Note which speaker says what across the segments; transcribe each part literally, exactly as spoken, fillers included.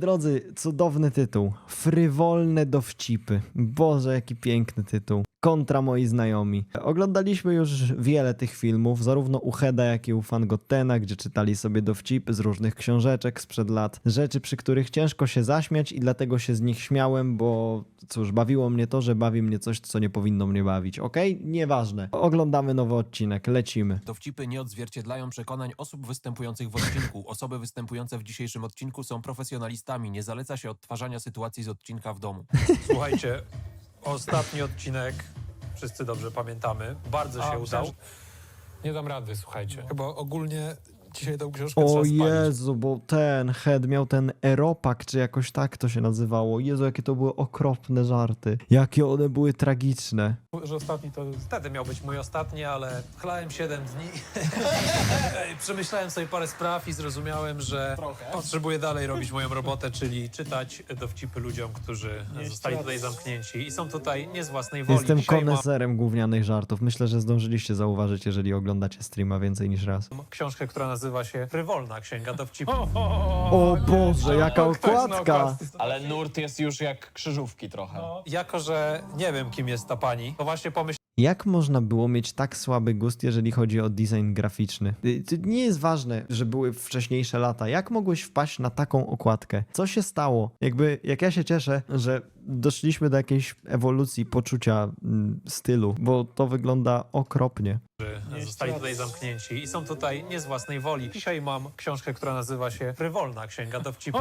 Speaker 1: drodzy, cudowny tytuł. Frywolne dowcipy. Boże, jaki piękny tytuł. Kontra moi znajomi. Oglądaliśmy już wiele tych filmów, zarówno u Heda, jak i u Fangotena, gdzie czytali sobie dowcipy z różnych książeczek sprzed lat. Rzeczy, przy których ciężko się zaśmiać i dlatego się z nich śmiałem, bo cóż, bawiło mnie to, że bawi mnie coś, co nie powinno mnie bawić. Okej? Okay? Nieważne. Oglądamy nowy odcinek, lecimy.
Speaker 2: Dowcipy nie odzwierciedlają przekonań osób występujących w odcinku. Osoby występujące w dzisiejszym odcinku są profesjonalistami. Nie zaleca się odtwarzania sytuacji z odcinka w domu.
Speaker 3: Słuchajcie, ostatni odcinek, wszyscy dobrze pamiętamy, bardzo
Speaker 4: A,
Speaker 3: się udał.
Speaker 4: myślałem, Nie dam rady, słuchajcie.
Speaker 3: Chyba ogólnie dzisiaj tą książkę
Speaker 1: O
Speaker 3: trzeba spalić.
Speaker 1: Jezu, bo ten Head miał ten eropak, czy jakoś tak to się nazywało. Jezu, jakie to były okropne żarty. Jakie one były tragiczne.
Speaker 4: Że ostatni to...
Speaker 3: Wtedy miał być mój ostatni, ale chlałem siedem dni. Przemyślałem sobie parę spraw i zrozumiałem, że potrzebuję dalej robić moją robotę, czyli czytać dowcipy ludziom, którzy zostali tutaj zamknięci i są tutaj nie z własnej woli.
Speaker 1: Jestem
Speaker 3: Dzisiaj mam
Speaker 1: koneserem gównianych żartów. Myślę, że zdążyliście zauważyć, jeżeli oglądacie streama więcej niż raz.
Speaker 3: książkę, która nazywa się Frywolna Księga Dowcipów.
Speaker 1: O Boże, jaka okładka!
Speaker 5: Ale nurt jest już jak krzyżówki trochę.
Speaker 3: Jako, że nie wiem, kim jest ta pani, to właśnie pomyślałem,
Speaker 1: Jak można było mieć tak słaby gust, jeżeli chodzi o design graficzny? Y, To nie jest ważne, że były wcześniejsze lata. Jak mogłeś wpaść na taką okładkę? Co się stało? Jakby, jak ja się cieszę, że doszliśmy do jakiejś ewolucji poczucia mm, stylu, bo to wygląda okropnie.
Speaker 3: że zostali tutaj zamknięci i są tutaj nie z własnej woli. Dzisiaj mam książkę, która nazywa się Frywolna Księga Dowcipów.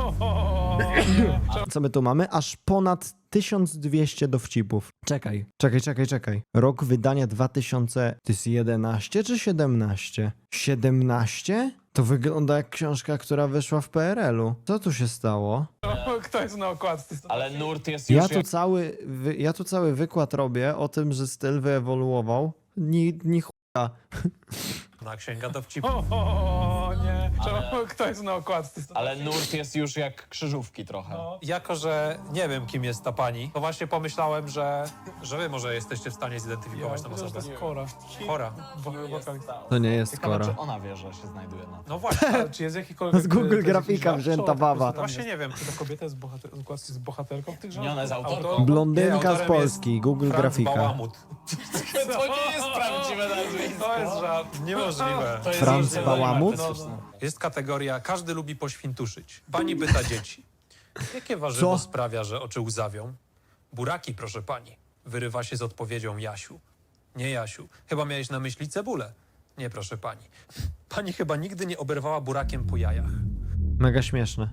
Speaker 1: Co my tu mamy? Aż ponad tysiąc dwieście dowcipów. Czekaj, czekaj, czekaj, czekaj. Rok wydania dwa tysiące... To jest jedenaście czy siedemnaście? siedemnaście? To wygląda jak książka, która wyszła w P R L-u. Co tu się stało?
Speaker 4: Kto jest na okładce?
Speaker 5: Ale nurt jest już
Speaker 1: Ja tu
Speaker 5: jak...
Speaker 1: cały, wy, ja tu cały wykład robię o tym, że styl wyewoluował. Ni, ni chuja.
Speaker 3: Na Księga Dowcipów.
Speaker 4: O nie, Czemu- kto jest na okładce?
Speaker 5: Ale nurt jest już jak krzyżówki trochę.
Speaker 3: Jako, że nie wiem, kim jest ta pani, to właśnie pomyślałem, że, że wy może jesteście w stanie zidentyfikować tę
Speaker 4: Myślę, że
Speaker 3: osobę.
Speaker 4: to jest Kora.
Speaker 3: Chora.
Speaker 4: Bo- wokalista.
Speaker 1: To nie jest
Speaker 5: Ciekawe,
Speaker 1: Kora.
Speaker 5: czy ona wie, że się znajduje na...
Speaker 3: No właśnie,
Speaker 4: Ale czy jest jakikolwiek...
Speaker 1: Z Google
Speaker 4: to jest
Speaker 1: grafika
Speaker 4: jakiś
Speaker 1: wzięta
Speaker 4: żart,
Speaker 1: baba.
Speaker 4: czy tam
Speaker 3: właśnie
Speaker 4: jest-
Speaker 3: nie wiem.
Speaker 4: Czy ta kobieta jest bohater... z okładki jest bohaterką tych żartów?
Speaker 5: Nie, ona jest autorką.
Speaker 4: Autor-
Speaker 1: Blondynka
Speaker 3: Nie,
Speaker 1: z
Speaker 3: autorem
Speaker 1: Polski,
Speaker 3: jest
Speaker 1: Google
Speaker 3: Franz
Speaker 1: grafika.
Speaker 3: Bałamut.
Speaker 5: To nie jest prawdziwe nazwisko.
Speaker 3: To jest żart. Niemożliwe.
Speaker 5: To jest
Speaker 1: Franz
Speaker 5: różnie
Speaker 1: Bałamut?
Speaker 5: artystyczne.
Speaker 3: Jest kategoria każdy lubi poświntuszyć. Pani pyta dzieci. Jakie warzywo
Speaker 1: Co?
Speaker 3: sprawia, że oczy łzawią? Buraki, proszę pani. Wyrywa się z odpowiedzią Jasiu. Nie Jasiu. Chyba miałeś na myśli cebulę. Nie, proszę pani. Pani chyba nigdy nie oberwała burakiem po jajach.
Speaker 1: Mega śmieszne.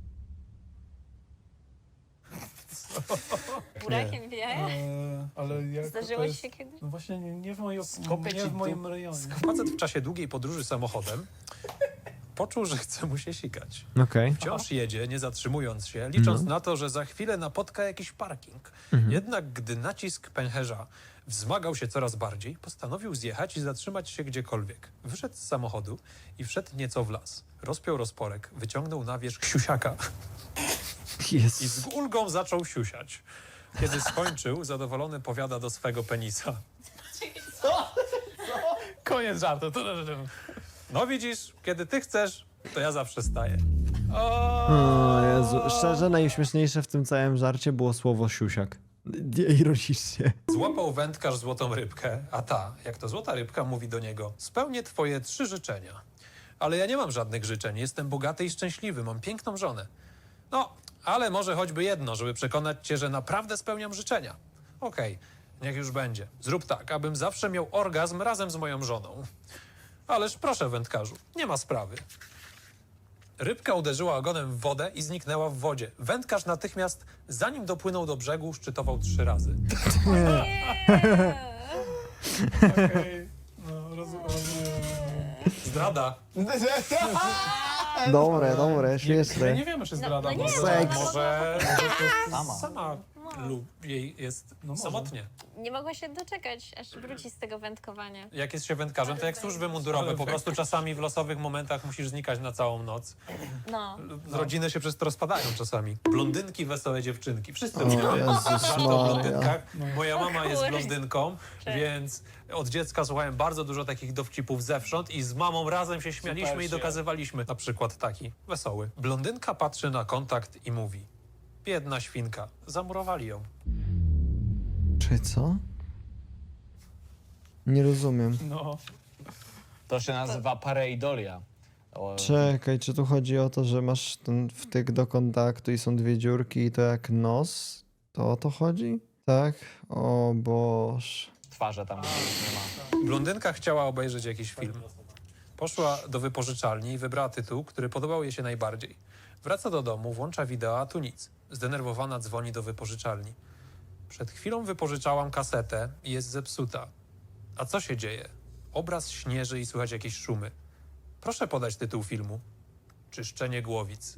Speaker 6: Burakiem w jajach?
Speaker 4: Eee, ale jak
Speaker 6: Zdarzyło
Speaker 4: to
Speaker 6: ci
Speaker 4: jest...
Speaker 6: się kiedyś?
Speaker 4: No właśnie nie, nie w, mojej,
Speaker 5: Skopie
Speaker 4: nie
Speaker 5: ci
Speaker 4: w moim rejonie.
Speaker 3: Facet w czasie długiej podróży samochodem poczuł, że chce mu się sikać.
Speaker 1: Okej.
Speaker 3: Wciąż jedzie, nie zatrzymując się, licząc
Speaker 1: No.
Speaker 3: na to, że za chwilę napotka jakiś parking.
Speaker 1: Mhm.
Speaker 3: Jednak gdy nacisk pęcherza wzmagał się coraz bardziej, postanowił zjechać i zatrzymać się gdziekolwiek. Wyszedł z samochodu i wszedł nieco w las. Rozpiął rozporek, wyciągnął na wierzch siusiaka i
Speaker 1: Jezus.
Speaker 3: z ulgą zaczął siusiać. Kiedy skończył, zadowolony powiada do swego penisa.
Speaker 4: Koniec żartu. To, to, to, to.
Speaker 3: No widzisz, kiedy ty chcesz, to ja zawsze staję.
Speaker 1: O Jezu. Szczerze, najśmieszniejsze w tym całym żarcie było słowo siusiak. Nie ironicznie.
Speaker 3: Złapał wędkarz złotą rybkę, a ta, jak to złota rybka, mówi do niego: spełnię twoje trzy życzenia. Ale ja nie mam żadnych życzeń, jestem bogaty i szczęśliwy, mam piękną żonę. No, ale może choćby jedno, żeby przekonać cię, że naprawdę spełniam życzenia. Okej, niech już będzie. Zrób tak, abym zawsze miał orgazm razem z moją żoną. Ależ proszę, wędkarzu, nie ma sprawy. Rybka uderzyła ogonem w wodę i zniknęła w wodzie. Wędkarz natychmiast, zanim dopłynął do brzegu, szczytował trzy razy.
Speaker 4: Okej. No, rozumiem.
Speaker 3: Zdrada.
Speaker 1: Dobre, dobre,
Speaker 4: My
Speaker 1: śmieszne.
Speaker 4: nie wiemy, czy zdrada.
Speaker 6: no nie.
Speaker 4: może-
Speaker 1: Seks.
Speaker 3: Może
Speaker 5: Sama.
Speaker 3: sama lub jej jest
Speaker 4: No może.
Speaker 3: samotnie.
Speaker 6: Nie mogła się doczekać, aż wróci z tego wędkowania.
Speaker 3: Jak jest się wędkarzem, to jak służby mundurowe, po prostu czasami w losowych momentach musisz znikać na całą noc.
Speaker 6: No.
Speaker 3: Rodziny się przez to rozpadają czasami. Blondynki, wesołe dziewczynki. Wszyscy
Speaker 1: O
Speaker 3: lubią
Speaker 1: Jezus
Speaker 3: żarty o
Speaker 1: Maria.
Speaker 3: blondynkach. Moja mama jest
Speaker 6: Kurde.
Speaker 3: blondynką, więc od dziecka słuchałem bardzo dużo takich dowcipów zewsząd i z mamą razem się śmialiśmy
Speaker 5: Super
Speaker 3: i
Speaker 5: się.
Speaker 3: dokazywaliśmy. Na przykład taki, wesoły. Blondynka patrzy na kontakt i mówi: biedna świnka, zamurowali ją.
Speaker 1: Czy co? Nie rozumiem.
Speaker 4: No.
Speaker 5: To się nazywa pareidolia. O,
Speaker 1: Czekaj, czy tu chodzi o to, że masz ten wtyk do kontaktu i są dwie dziurki i to jak nos? To o to chodzi? Tak? O Boż.
Speaker 5: Twarze tam nie ma.
Speaker 3: Blondynka chciała obejrzeć jakiś film. Poszła do wypożyczalni i wybrała tytuł, który podobał jej się najbardziej. Wraca do domu, włącza wideo, a tu nic. Zdenerwowana dzwoni do wypożyczalni. Przed chwilą wypożyczałam kasetę i jest zepsuta. A co się dzieje? Obraz śnieży i słychać jakieś szumy. Proszę podać tytuł filmu. Czyszczenie głowic.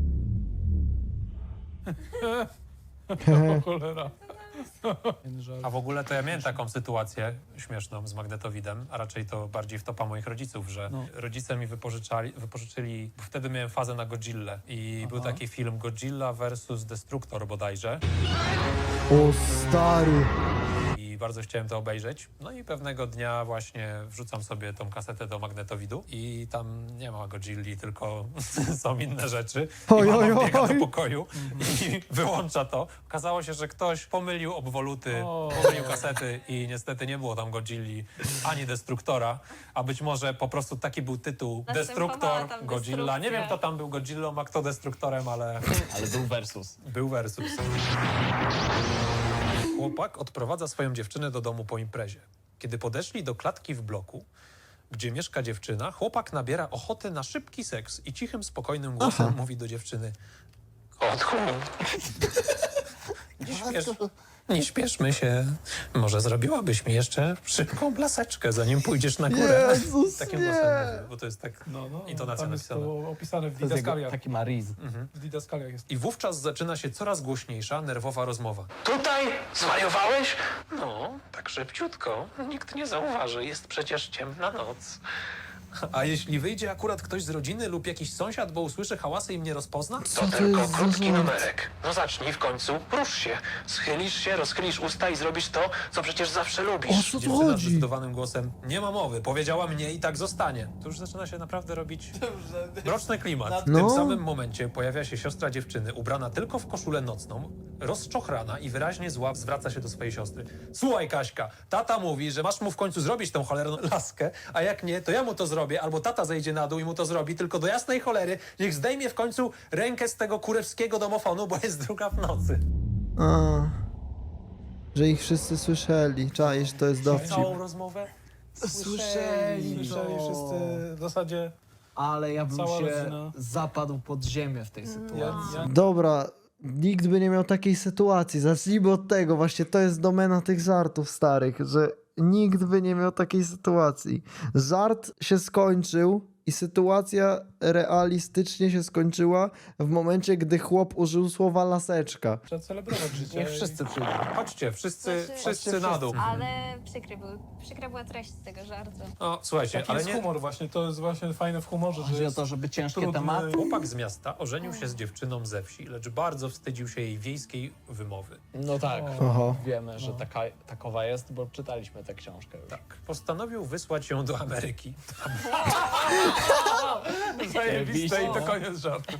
Speaker 4: O cholera. Żart.
Speaker 3: A w ogóle to ja miałem taką sytuację śmieszną z magnetowidem, a raczej to bardziej wtopa moich rodziców, że
Speaker 4: No.
Speaker 3: rodzice mi wypożyczali, wypożyczyli, bo wtedy miałem fazę na Godzillę i był
Speaker 4: Aha.
Speaker 3: taki film Godzilla versus Destructor bodajże
Speaker 1: O stary.
Speaker 3: i bardzo chciałem to obejrzeć. No i pewnego dnia właśnie wrzucam sobie tą kasetę do magnetowidu i tam nie ma Godzilli, tylko są inne rzeczy. I
Speaker 1: Oj,
Speaker 3: mama
Speaker 1: oj,
Speaker 3: wbiega do
Speaker 1: oj.
Speaker 3: pokoju i wyłącza to. Okazało się, że ktoś pomylił obwoluty,
Speaker 4: O.
Speaker 3: pomylił kasety i niestety nie było tam Godzilli ani Destruktora, a być może po prostu taki był tytuł
Speaker 6: Następowała
Speaker 3: Destruktor,
Speaker 6: tam
Speaker 3: Godzilla. Nie
Speaker 6: destrukcja.
Speaker 3: wiem, kto tam był Godzillą, a kto Destruktorem, ale
Speaker 5: Ale był versus.
Speaker 3: był versus. Chłopak odprowadza swoją dziewczynę do domu po imprezie. Kiedy podeszli do klatki w bloku, gdzie mieszka dziewczyna, chłopak nabiera ochoty na szybki seks i cichym, spokojnym głosem
Speaker 1: Aha.
Speaker 3: mówi do dziewczyny: Kotku, nie, śpiesz, nie śpieszmy się. Może zrobiłabyś mi jeszcze szybką blaseczkę, zanim pójdziesz na górę.
Speaker 1: Jezus,
Speaker 3: Takim
Speaker 1: nie.
Speaker 3: głosem mówi, bo to jest tak...
Speaker 4: No, no.
Speaker 3: Intonacja
Speaker 4: Tam jest
Speaker 3: napisana.
Speaker 4: to opisane w
Speaker 5: To jest jego
Speaker 4: didaskaliach.
Speaker 5: taki mariz.
Speaker 4: W didaskaliach jest.
Speaker 3: I wówczas zaczyna się coraz głośniejsza, nerwowa rozmowa.
Speaker 7: Tutaj zwariowałeś? No, tak szybciutko. Nikt nie zauważy, jest przecież ciemna noc.
Speaker 3: A jeśli wyjdzie akurat ktoś z rodziny lub jakiś sąsiad, bo usłyszy hałasy i mnie rozpozna?
Speaker 1: Co
Speaker 7: To
Speaker 1: to
Speaker 7: tylko
Speaker 1: jest za
Speaker 7: krótki
Speaker 1: żart?
Speaker 7: numerek. No zacznij w końcu, rusz się. Schylisz się, rozchylisz usta i zrobisz to, co przecież zawsze
Speaker 1: O
Speaker 7: lubisz.
Speaker 1: co tu
Speaker 3: Dziewczyna
Speaker 1: chodzi?
Speaker 3: zdecydowanym głosem: nie ma mowy, powiedziała mnie i tak zostanie. To już zaczyna się naprawdę robić mroczny klimat. W
Speaker 1: No.
Speaker 3: tym samym momencie pojawia się siostra dziewczyny, ubrana tylko w koszulę nocną, rozczochrana i wyraźnie zła zwraca się do swojej siostry. Słuchaj, Kaśka, tata mówi, że masz mu w końcu zrobić tą cholerną laskę, a jak nie, to ja mu to zrobię, albo tata zejdzie na dół i mu to zrobi, tylko do jasnej cholery niech zdejmie w końcu rękę z tego kurewskiego domofonu, bo jest druga w nocy.
Speaker 1: A, że ich wszyscy słyszeli. Czaisz, to jest dowcip.
Speaker 3: Całą rozmowę
Speaker 5: Słyszeli,
Speaker 4: Słyszeli
Speaker 5: no.
Speaker 4: wszyscy w zasadzie.
Speaker 8: Ale ja bym
Speaker 4: Cała
Speaker 8: się
Speaker 4: rodzina.
Speaker 8: zapadł pod ziemię w tej sytuacji.
Speaker 4: Ja, ja,
Speaker 1: Dobra, nikt by nie miał takiej sytuacji. Zacznijmy od tego. Właśnie to jest domena tych żartów starych, że nikt by nie miał takiej sytuacji. Żart się skończył i sytuacja realistycznie się skończyła w momencie, gdy chłop użył słowa laseczka.
Speaker 4: trzeba celebrować życie.
Speaker 5: Niech wszyscy przyjdą.
Speaker 3: Chodźcie, wszyscy,
Speaker 6: Znaczy-
Speaker 3: wszyscy na dół.
Speaker 6: Ale przykry był, przykra była treść tego żartu.
Speaker 3: No, słuchajcie,
Speaker 4: Taki
Speaker 3: ale
Speaker 4: jest
Speaker 3: nie...
Speaker 4: humor właśnie, to jest właśnie fajne w humorze, że
Speaker 8: Chodzi o
Speaker 4: jest
Speaker 8: to, żeby ciężkie
Speaker 4: trudny-
Speaker 8: tematy.
Speaker 3: Chłopak z miasta ożenił się z dziewczyną ze wsi, lecz bardzo wstydził się jej wiejskiej wymowy.
Speaker 5: No tak.
Speaker 1: Oho.
Speaker 5: Wiemy, że taka, takowa jest, bo czytaliśmy tę książkę już.
Speaker 3: Tak. Postanowił wysłać ją do Ameryki.
Speaker 4: zajebiste i to koniec żartu.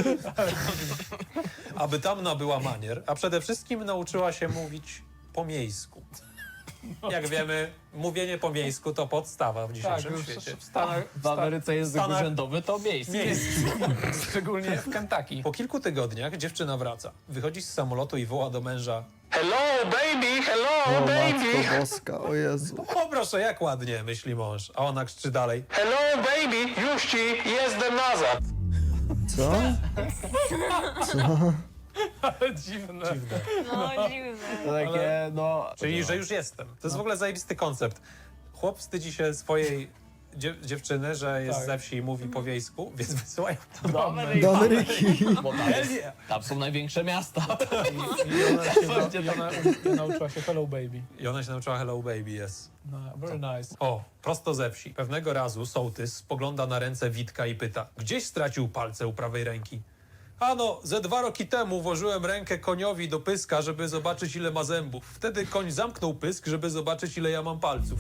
Speaker 3: Aby tam nabyła manier, a przede wszystkim nauczyła się mówić po miejsku. Jak wiemy, mówienie po miejsku to podstawa w
Speaker 4: Tak,
Speaker 3: dzisiejszym
Speaker 4: już
Speaker 3: świecie.
Speaker 4: w Stanach,
Speaker 5: W Ameryce język
Speaker 3: Stanach-
Speaker 5: urzędowy to miejsce.
Speaker 3: Miejscu.
Speaker 4: szczególnie w Kentucky.
Speaker 3: Po kilku tygodniach dziewczyna wraca. Wychodzi z samolotu i woła do męża:
Speaker 7: Hello, baby, hello,
Speaker 1: O
Speaker 7: baby.
Speaker 1: matko boska, o Jezu.
Speaker 3: o proszę, jak ładnie, myśli mąż. A ona krzyczy dalej:
Speaker 7: Hello, baby, już ci jestem nazad.
Speaker 1: Co? Co?
Speaker 4: Ale dziwne.
Speaker 3: dziwne.
Speaker 6: No, dziwne.
Speaker 5: To takie, no...
Speaker 3: Czyli, że już jestem. To jest w ogóle zajebisty koncept. Chłop wstydzi się swojej dziew dziewczyny, że jest
Speaker 4: Tak.
Speaker 3: ze wsi i mówi po wiejsku, więc wysyłają
Speaker 5: Dobry.
Speaker 1: Don Ricky.
Speaker 5: Bo tam, jest, tam są największe miasta.
Speaker 4: I ona się, na,
Speaker 5: Gdzie
Speaker 4: i
Speaker 5: tam-
Speaker 4: ona, i nauczyła się Hello Baby.
Speaker 3: i ona się nauczyła Hello Baby, jest.
Speaker 4: No, very nice.
Speaker 3: O, prosto ze wsi. Pewnego razu sołtys spogląda na ręce Witka i pyta, gdzieś stracił palce u prawej ręki. Ano, ze dwa roki temu włożyłem rękę koniowi do pyska, żeby zobaczyć, ile ma zębów. Wtedy koń zamknął pysk, żeby zobaczyć, ile ja mam palców.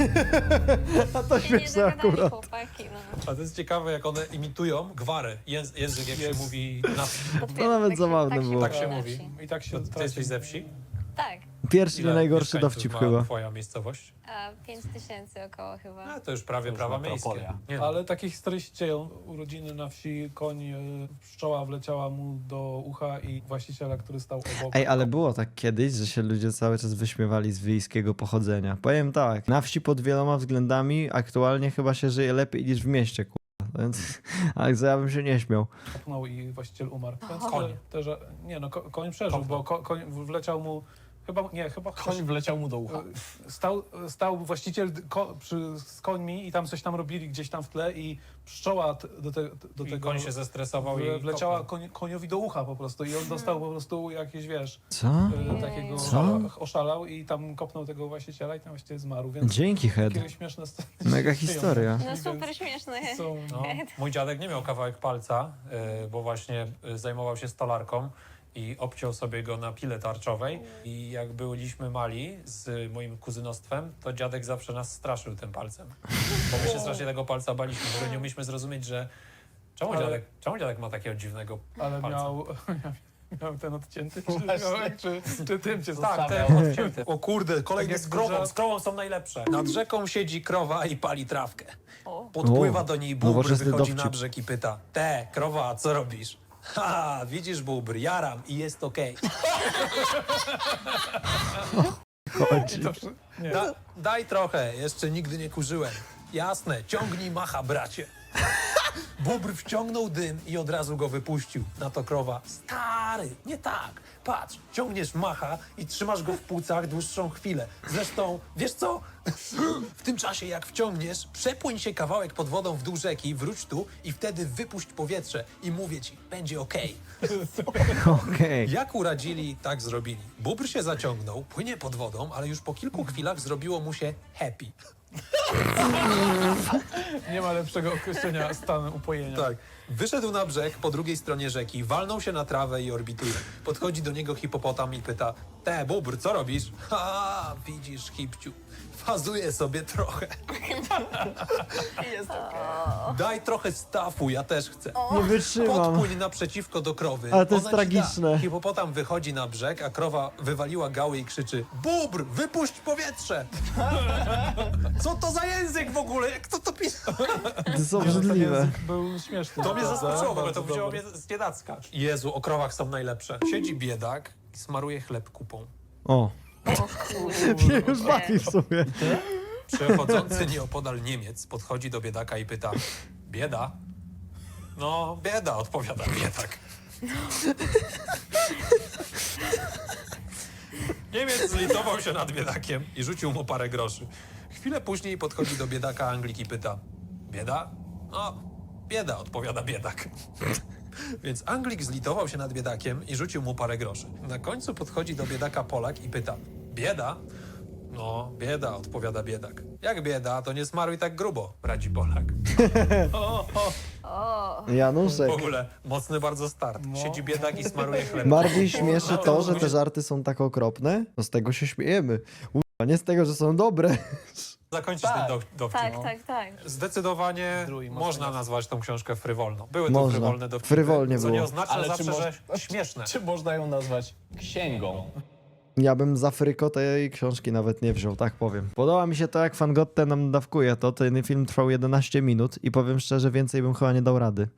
Speaker 1: A to
Speaker 6: Się nie
Speaker 1: śmieszne
Speaker 6: dogadali
Speaker 1: akurat.
Speaker 6: chłopaki, no.
Speaker 3: A to jest ciekawe, jak one imitują gwarę. Jęz język, jak się mówi na wsi.
Speaker 6: Potwierdzam,
Speaker 1: nawet
Speaker 6: tak się-
Speaker 1: zabawne
Speaker 6: tak się
Speaker 1: było.
Speaker 3: Tak się
Speaker 6: na
Speaker 3: mówi.
Speaker 6: wsi.
Speaker 4: I tak się...
Speaker 3: To ty
Speaker 4: traci-
Speaker 3: jesteś ze wsi?
Speaker 6: Tak,
Speaker 1: Pierwszy, nie najgorszy
Speaker 3: mieszkańców
Speaker 1: dowcip
Speaker 3: ma
Speaker 1: chyba.
Speaker 3: twoja miejscowość?
Speaker 6: a pięć tysięcy około chyba.
Speaker 3: A, to już prawie
Speaker 5: już
Speaker 3: prawa
Speaker 5: metropolia.
Speaker 3: miejskie. Nie, no.
Speaker 4: Ale takie historie się dzieją. Urodziny na wsi, koń, e, pszczoła wleciała mu do ucha i właściciela, który stał obok.
Speaker 1: Ej, ale było tak kiedyś, że się ludzie cały czas wyśmiewali z wiejskiego pochodzenia. Powiem tak, na wsi pod wieloma względami aktualnie chyba się żyje lepiej niż w mieście, kurwa. Więc, ale co ja bym się nie śmiał.
Speaker 4: Kopnął i właściciel umarł. Więc
Speaker 3: Koń.
Speaker 4: te- Te, że, nie no, ko, koń przeżył,
Speaker 3: Kopnął.
Speaker 4: bo ko, koń wleciał mu... Chyba, nie, chyba...
Speaker 5: Koń wleciał mu do ucha.
Speaker 4: E, Stał, stał właściciel ko, przy, z końmi i tam coś tam robili gdzieś tam w tle i pszczoła t- do, te, do
Speaker 3: I
Speaker 4: tego
Speaker 3: koń się zestresował
Speaker 4: w-
Speaker 3: i
Speaker 4: wleciała
Speaker 3: kopnął.
Speaker 4: koń, koniowi do ucha po prostu i on dostał po prostu jakieś, wiesz,
Speaker 1: Co?
Speaker 4: e, takiego
Speaker 1: Co?
Speaker 4: oszala, oszalał i tam kopnął tego właściciela i tam właściwie zmarł, więc
Speaker 1: Dzięki, Head.
Speaker 4: takie śmieszne sceny
Speaker 1: Mega
Speaker 4: się dzieją.
Speaker 1: historia.
Speaker 6: No super śmieszne.
Speaker 4: Są,
Speaker 3: No, mój dziadek nie miał kawałek palca, y, bo właśnie y, zajmował się stolarką i obciął sobie go na pile tarczowej. I jak byliśmy mali z moim kuzynostwem, to dziadek zawsze nas straszył tym palcem. Bo my się strasznie tego palca baliśmy, bo nie umieliśmy zrozumieć, że czemu,
Speaker 4: Ale-
Speaker 3: dziadek, czemu dziadek ma takiego dziwnego
Speaker 4: ale
Speaker 3: palca?
Speaker 4: miał, miał ten odcięty, czy,
Speaker 5: Właśnie.
Speaker 4: miał, czy, czy tym cię
Speaker 3: Tak,
Speaker 5: Zostawiał.
Speaker 3: ten odcięty. O kurde, kolejny
Speaker 4: Tak jak
Speaker 3: z krową.
Speaker 4: duża-
Speaker 3: Z krową są najlepsze. Nad rzeką siedzi krowa i pali trawkę.
Speaker 6: O.
Speaker 3: Podpływa
Speaker 1: O,
Speaker 3: do niej bóbr,
Speaker 1: nowoczesny
Speaker 3: wychodzi na
Speaker 1: dowcip.
Speaker 3: brzeg i pyta: Te, krowa, co robisz? Ha, widzisz bóbr, jaram i jest okej.
Speaker 1: Chodzi.
Speaker 4: To, wszy- nie.
Speaker 3: Da, daj trochę, jeszcze nigdy nie kurzyłem. Jasne, ciągnij macha, bracie. Bóbr wciągnął dym i od razu go wypuścił. Na to krowa: Stary, nie tak. Patrz, ciągniesz macha i trzymasz go w płucach dłuższą chwilę. Zresztą, wiesz co? W tym czasie, jak wciągniesz, przepłyń się kawałek pod wodą w dół rzeki, wróć tu i wtedy wypuść powietrze. I mówię ci, będzie okej.
Speaker 1: Okej.
Speaker 3: Jak uradzili, tak zrobili. Bóbr się zaciągnął, płynie pod wodą, ale już po kilku chwilach zrobiło mu się happy.
Speaker 4: Nie ma lepszego określenia stanu upojenia.
Speaker 3: Tak. Wyszedł na brzeg po drugiej stronie rzeki, walnął się na trawę i orbituje. Podchodzi do niego hipopotam i pyta: Te, bóbr, co robisz? Ha, widzisz, hipciu, fazuję sobie trochę.
Speaker 5: Jest
Speaker 3: Daj trochę stafu, ja też chcę.
Speaker 1: Nie wytrzymam.
Speaker 3: Podpłyń naprzeciwko do krowy.
Speaker 1: Ale to jest
Speaker 3: ona ci da.
Speaker 1: tragiczne.
Speaker 3: Hipopotam wychodzi na brzeg, a krowa wywaliła gały i krzyczy: Bóbr, wypuść powietrze! Co to za język w ogóle? Jak to to pisał?
Speaker 1: To są
Speaker 4: Ten
Speaker 1: obrzydliwe.
Speaker 4: język był śmieszny.
Speaker 3: To mnie
Speaker 4: prawda?
Speaker 3: zaskoczyło, bo
Speaker 4: Bardzo
Speaker 3: to wzięło
Speaker 4: dobry.
Speaker 3: mnie z niedacka. Jezu, o krowach są najlepsze. Siedzi biedak i smaruje chleb kupą.
Speaker 1: O,
Speaker 6: O kurde.
Speaker 1: mnie już bawi w sumie.
Speaker 3: Przechodzący nieopodal Niemiec podchodzi do biedaka i pyta: Bieda? No, bieda, odpowiada biedak. Niemiec zlitował się nad biedakiem i rzucił mu parę groszy. Chwilę później podchodzi do biedaka Anglik i pyta: Bieda? No, bieda, odpowiada biedak. Więc Anglik zlitował się nad biedakiem i rzucił mu parę groszy. Na końcu podchodzi do biedaka Polak i pyta: Bieda? No, bieda, odpowiada biedak. Jak bieda, to nie smaruj tak grubo, radzi Polak.
Speaker 6: O.
Speaker 1: Januszek.
Speaker 3: W ogóle mocny bardzo start. Siedzi biedak i smaruje chleb.
Speaker 1: Bardziej śmieszy to, że te żarty są tak okropne, to z tego się śmiejemy. Uwa, nie z tego, że są dobre.
Speaker 3: Zakończyć
Speaker 5: Tak.
Speaker 3: ten do, dowcip.
Speaker 6: Tak, tak, tak.
Speaker 3: Zdecydowanie
Speaker 5: Drugi mocno
Speaker 3: można
Speaker 5: jasny.
Speaker 3: nazwać tą książkę frywolną. Były to
Speaker 1: Można.
Speaker 3: frywolne dowcipy,
Speaker 1: Frywolnie
Speaker 3: co
Speaker 1: było.
Speaker 3: nie oznacza
Speaker 5: Ale czy
Speaker 3: zawsze,
Speaker 5: mo-
Speaker 3: że śmieszne.
Speaker 5: Czy można ją nazwać księgą?
Speaker 1: Ja bym za fryko tej książki nawet nie wziął, tak powiem. Podoba mi się to, jak Fangotte nam dawkuje to. Ten film trwał jedenaście minut i powiem szczerze, więcej bym chyba nie dał rady.